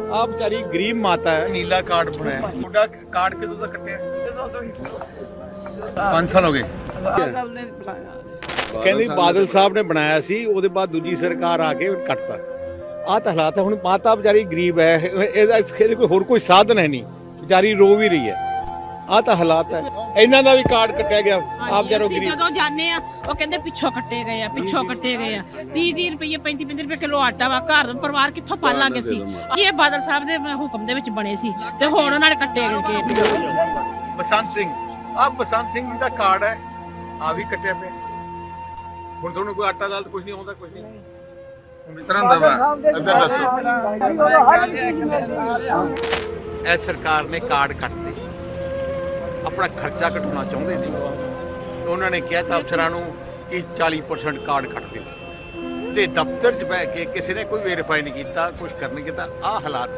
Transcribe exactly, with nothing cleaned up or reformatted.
ਆ ਵਿਚਾਰੀ ਗਰੀਬ ਮਾਤਾ ਹੈ, ਨੀਲਾ ਕਾਰਡ ਬਣਾਇਆ। ਤੁਹਾਡਾ ਕਾਰਡ ਕਦੋਂ ਦਾ ਕੱਟਿਆ? ਪੰਜ ਸਾਲ ਹੋ ਗਏ। ਕਹਿੰਦੇ ਬਾਦਲ ਸਾਹਿਬ ਨੇ ਬਣਾਇਆ ਸੀ, ਉਹਦੇ ਬਾਅਦ ਦੂਜੀ ਸਰਕਾਰ ਆ ਕੇ ਕੱਟਤਾ। ਆਹ ਤਾਂ ਹਾਲਾਤ ਹੈ। ਹੁਣ ਮਾਤਾ ਵਿਚਾਰੀ ਗਰੀਬ ਹੈ, ਇਹਦਾ ਇਹਦੇ ਕੋਈ ਹੋਰ ਕੋਈ ਸਾਧਨ ਹੈ ਨਹੀਂ, ਵਿਚਾਰੀ ਰੋ ਵੀ ਰਹੀ ਹੈ। ਆਹ ਤਾਂ ਹਾਲਾਤ ਹੈ। ਇਹਨਾਂ ਦਾ ਵੀ ਕਾਰਡ ਕੱਟਿਆ ਗਿਆ। ਆਪ ਜਰੋ ਗਰੀਬ ਜਦੋਂ ਜਾਂਦੇ ਆ ਉਹ ਕਹਿੰਦੇ ਪਿੱਛੋਂ ਕੱਟੇ ਗਏ ਆ, ਪਿੱਛੋਂ ਕੱਟੇ ਗਏ ਆ। ਤੀਹ ਤੀਹ ਰੁਪਏ ਪੈਂਤੀ ਪੈਂਤੀ ਰੁਪਏ ਕਿਲੋ ਆਟਾ ਵਾ, ਘਰ ਪਰਿਵਾਰ ਕਿੱਥੋਂ ਪਾਲਾਂਗੇ ਸੀ? ਇਹ ਬਾਦਲ ਸਾਹਿਬ ਦੇ ਹੁਕਮ ਦੇ ਵਿੱਚ ਬਣੇ ਸੀ ਤੇ ਹੁਣ ਉਹਨਾਂ ਨੇ ਕੱਟੇ ਗਏ। ਬਸੰਤ ਸਿੰਘ, ਆਹ ਬਸੰਤ ਸਿੰਘ ਦਾ ਕਾਰਡ ਹੈ, ਆ ਵੀ ਕੱਟਿਆ ਪਿਆ। ਹੁਣ ਤੁਹਾਨੂੰ ਕੋਈ ਆਟਾ ਦਾਲ ਕੁਝ ਨਹੀਂ ਆਉਂਦਾ, ਕੁਝ ਨਹੀਂ ਤਰ੍ਹਾਂ ਦਾ ਵਾ। ਇੱਧਰ ਦੱਸੋ, ਇਹ ਸਰਕਾਰ ਨੇ ਕਾਰਡ ਕੱਟਦੇ, ਆਪਣਾ ਖਰਚਾ ਘਟਾਉਣਾ ਚਾਹੁੰਦੇ ਸੀ। ਉਹਨਾਂ ਨੇ ਕਿਹਾ ਤਾਂ ਅਫਸਰਾਂ ਨੂੰ ਕਿ ਚਾਲੀ ਪਰਸੈਂਟ ਕਾਰਡ ਕੱਟ ਦਿਓ, ਤੇ ਦਫ਼ਤਰ 'ਚ ਬਹਿ ਕੇ ਕਿਸੇ ਨੇ ਕੋਈ ਵੈਰੀਫਾਈ ਨਹੀਂ ਕੀਤਾ, ਕੁਝ ਕਰ ਨਹੀਂ ਕੀਤਾ। ਆਹ ਹਾਲਾਤ